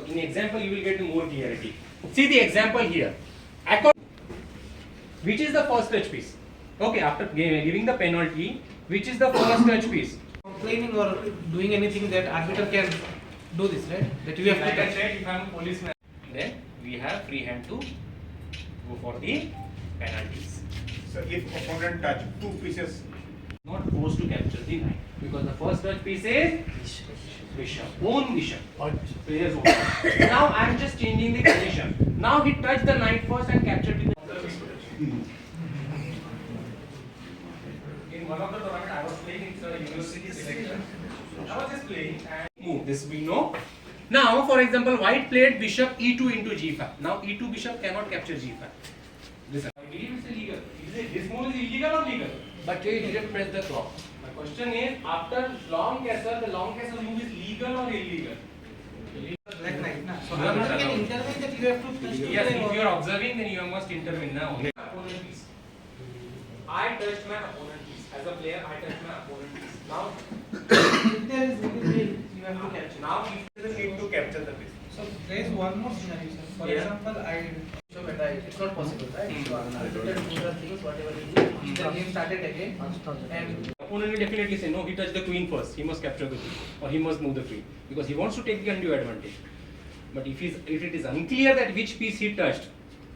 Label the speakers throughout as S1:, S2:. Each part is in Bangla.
S1: in example you will get more clarity. See the example here. Which is the first touch piece? Okay, after giving the penalty, which is the first touch piece?
S2: Complaining or doing anything that arbiter can do this, right? That you have
S1: Like
S2: to
S1: I
S2: touch.
S1: said, if I am a policeman, then we have free hand to go for the penalties.
S3: So if opponent touch two pieces,
S1: Not forced to capture the knight because the first touch piece is bishop, own bishop. Player's own. Now I am just changing the condition. Now he touched the knight first and captured the. In one of the tournament I was playing, it's a university selection. I was just playing and move. This we know. Now, for example, white played bishop e2 into g5. Now e2 bishop cannot capture g5. Listen, I believe it's illegal. This move is illegal or legal?
S2: But you didn't press the clock.
S1: My question is, after long castle, the long castle move is legal or illegal?
S2: Black knight, na. So
S1: You are not
S2: arbiter can
S1: allowed.
S2: intervene that you have to touch the
S1: Yes,
S2: line
S1: if
S2: or-
S1: you are observing, then you must intervene now. Opponent piece. I touched my opponent piece. As a player, I touched my opponent piece. Now,
S2: If there is legal way, you have to capture.
S1: now if
S3: you need to capture the piece.
S2: So there is one more scenario, sir. For
S1: Yeah.
S2: example, so it's not possible, right?
S1: Hmm.
S2: So arbiter do the things, whatever he do, the game started again, and
S1: opponent will definitely say, no, he touched the queen first. He must capture the queen, or he must move the queen because he wants to take the undue advantage. But if it is unclear that which piece he touched,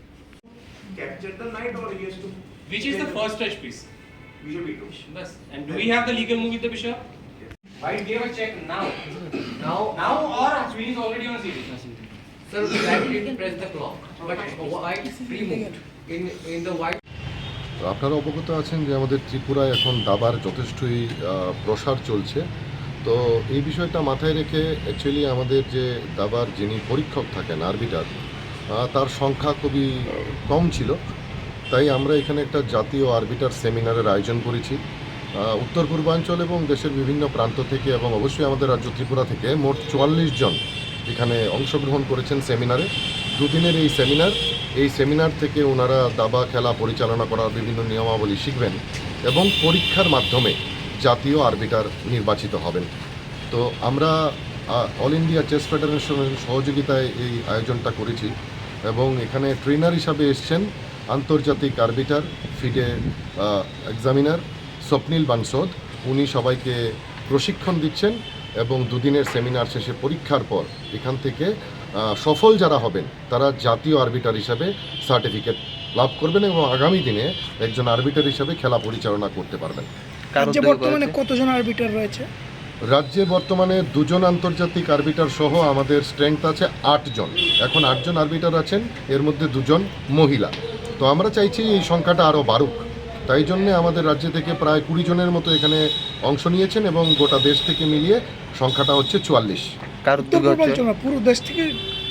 S3: Capture the knight or he has to.
S1: which is the first touch piece?
S3: Bishop e2.
S1: Bas. And do we have the legal move with the bishop? White gave a check now. Now or queen is already on CD.
S2: sir, black didn't press the clock, but white free moved in the white.
S4: তো আপনারা অবগত আছেন যে আমাদের ত্রিপুরায় এখন দাবার যথেষ্টই প্রসার চলছে। তো এই বিষয়টা মাথায় রেখে অ্যাকচুয়ালি আমাদের যে দাবার যিনি পরীক্ষক থাকেন আরবিটার, তার সংখ্যা খুবই কম ছিল। তাই আমরা এখানে একটা জাতীয় আরবিটার সেমিনারের আয়োজন করেছি। উত্তর পূর্বাঞ্চল এবং দেশের বিভিন্ন প্রান্ত থেকে এবং অবশ্যই আমাদের রাজ্য ত্রিপুরা থেকে মোট 44 জন এখানে অংশগ্রহণ করেছেন সেমিনারে। দুদিনের এই সেমিনার থেকে ওনারা দাবা খেলা পরিচালনা করার বিভিন্ন নিয়মাবলী শিখবেন এবং পরীক্ষার মাধ্যমে জাতীয় আরবিটার নির্বাচিত হবেন। তো আমরা অল ইন্ডিয়া চেস ফেডারেশনের সহযোগিতায় এই আয়োজনটা করেছি এবং এখানে ট্রেনার হিসাবে এসছেন আন্তর্জাতিক আরবিটার ফিডে এক্সামিনার স্বপ্নিল বানসোদ। উনি সবাইকে প্রশিক্ষণ দিচ্ছেন এবং দুদিনের সেমিনার শেষে পরীক্ষার পর এখান থেকে সফল যারা হবেন তারা জাতীয় আরবিটার হিসাবে সার্টিফিকেট লাভ করবেন এবং আগামী দিনে একজন আরবিটার হিসাবে খেলা পরিচালনা করতে পারবেন।
S5: রাজ্যে বর্তমানে কতজন আরবিটার রয়েছে?
S4: রাজ্যে বর্তমানে 2 জন আন্তর্জাতিক আরবিটার সহ আমাদের স্ট্রেংথ আছে 8 জন। এখন 8 জন আরবিটার আছেন, এর মধ্যে 2 জন মহিলা। তো আমরা চাইছি এই সংখ্যাটা আরও বাড়ুক। তাই জন্য আমাদের রাজ্য থেকে প্রায় 20 জনের মতো এখানে অংশ নিয়েছেন এবং গোটা দেশ থেকে মিলিয়ে সংখ্যাটা হচ্ছে 44।
S6: কার
S5: উত্তর
S6: উদ্যোগে হচ্ছে?
S5: পূর্বাঞ্চল না, পুরো দেশ থেকে।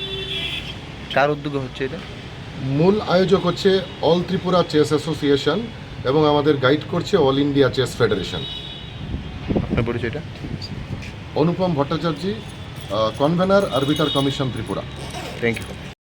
S6: কার উদ্যোগে হচ্ছে এটা?
S4: মূল আয়োজক হচ্ছে অল ত্রিপুরা চেস অ্যাসোসিয়েশন এবং আমাদের গাইড করছে অল ইন্ডিয়া চেস ফেডারেশন।
S6: আপনার পরিচয়টা?
S4: Anupam Bhattacharya, convener arbiter commission Tripura.
S6: Thank you.